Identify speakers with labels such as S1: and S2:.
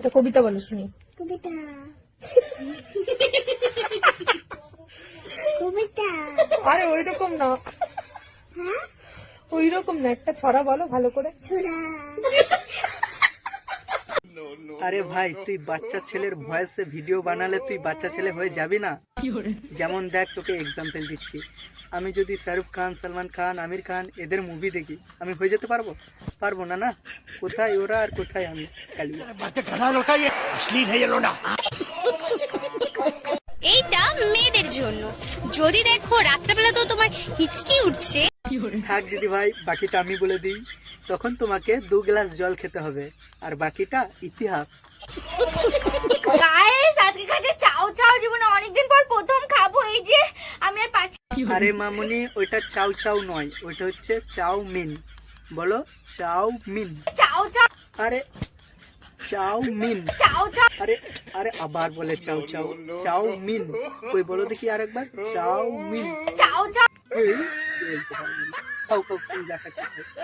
S1: একটা কবিতা বলো শুনি।
S2: কবিতা কবিতা
S1: আরে ওইরকম না,
S2: হ্যাঁ
S1: ওইরকম না, একটা ছড়া বলো ভালো করে।
S2: ছোড়া
S3: আরে ভাই তুই বাচ্চা ছেলের ভয়েসে ভিডিও বানালে তুই বাচ্চা ছেলে হয়ে যাবি না? যেমন দেখ তোকে এক্সাম্পল দিচ্ছি, আমি যদি শাহরুখ খান, সালমান খান, আমির খান এদের মুভি দেখি, আমি হয়ে যেতে পারবো? পারবো না। না, কোথায় ওরা আর কোথায় আমি? কালিয়া।
S4: এইটা মেয়েদের জন্য। যদি দেখো রাত্রেবেলা তো তোমার হিচকি উঠছে,
S3: থাক দিদি ভাই, বাকিটা আমি বলে দিই। তখন তোমাকে 2 গ্লাস জল খেতে হবে, আর বাকিটা ইতিহাস।
S4: গাইস আজকে কাছে চাও চাও জীবনে অনেকদিন পর প্রথম খাবো, এই যে আমি আর পাচ্ছি।
S3: আরে মামুনি, ওইটা চাউ চাউ নয়, ওইটা হচ্ছে চাউমিন। বলো চাউমিন।
S4: চাও চাও
S3: আরে চাউমিন।
S4: চাও চাও
S3: আরে আরে আবার বলে চাউ চাউ। চাউমিন। কই বলো দেখি আরেকবার, চাউমিন।
S4: চাও চাও।
S3: এই, বলতে পারবো না। খাও খাও, তুমি যা খাচ্ছো খাও।